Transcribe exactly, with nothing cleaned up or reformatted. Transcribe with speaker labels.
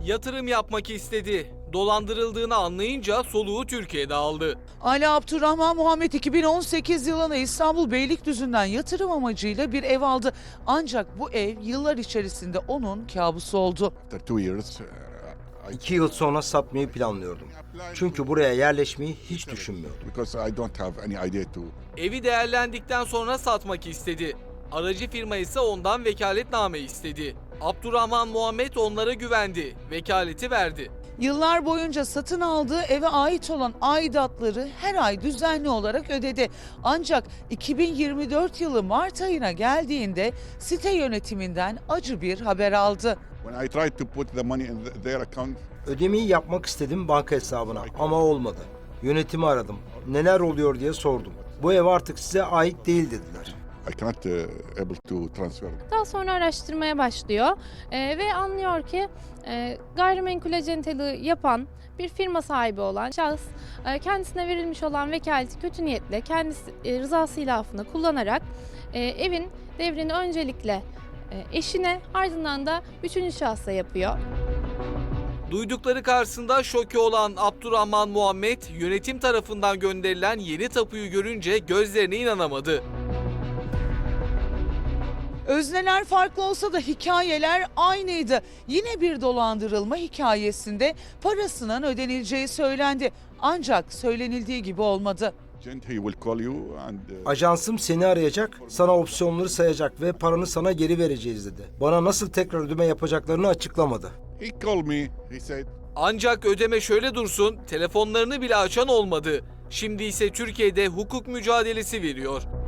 Speaker 1: Yatırım yapmak istedi. Dolandırıldığını anlayınca soluğu Türkiye'de aldı.
Speaker 2: Ali Abdurrahman Muhammet iki bin on sekiz yılında İstanbul Beylikdüzü'nden yatırım amacıyla bir ev aldı. Ancak bu ev yıllar içerisinde onun kabusu oldu.
Speaker 3: After two years, uh, I-
Speaker 4: İki yıl sonra satmayı planlıyordum. Çünkü buraya yerleşmeyi hiç düşünmüyordum.
Speaker 3: because I don't have any idea to.
Speaker 1: Evi değerlendikten sonra satmak istedi. Aracı firma ise ondan vekaletname istedi. Abdurrahman Muhammet onlara güvendi, vekaleti verdi.
Speaker 2: Yıllar boyunca satın aldığı eve ait olan aidatları her ay düzenli olarak ödedi. Ancak iki bin yirmi dört yılı Mart ayına geldiğinde site yönetiminden acı bir haber aldı.
Speaker 3: When I tried to put the money in th- their account,
Speaker 4: Ödemeyi yapmak istedim banka hesabına ama olmadı. Yönetimi aradım. Neler oluyor diye sordum. Bu ev artık size ait değil dediler.
Speaker 3: I cannot uh, able to transfer.
Speaker 5: Daha sonra araştırmaya başlıyor Ee, ve anlıyor ki e, gayrimenkul acenteliği yapan bir firma sahibi olan şahıs e, kendisine verilmiş olan vekaleti kötü niyetle kendisi e, rızası ilafını kullanarak e, evin devrini öncelikle e, eşine ardından da üçüncü şahsa yapıyor.
Speaker 1: Duydukları karşısında şoke olan Abdurrahman Muhammet, yönetim tarafından gönderilen yeni tapuyu görünce gözlerine inanamadı.
Speaker 2: Özneler farklı olsa da hikayeler aynıydı. Yine bir dolandırılma hikayesinde parasının ödenileceği söylendi. Ancak söylenildiği gibi olmadı.
Speaker 3: Agent, he will call you and uh,
Speaker 4: Ajansım seni arayacak, sana opsiyonları sayacak ve paranı sana geri vereceğiz dedi. Bana nasıl tekrar ödeme yapacaklarını açıklamadı.
Speaker 3: he called me. He said,
Speaker 1: Ancak ödeme şöyle dursun, telefonlarını bile açan olmadı. Şimdi ise Türkiye'de hukuk mücadelesi veriyor.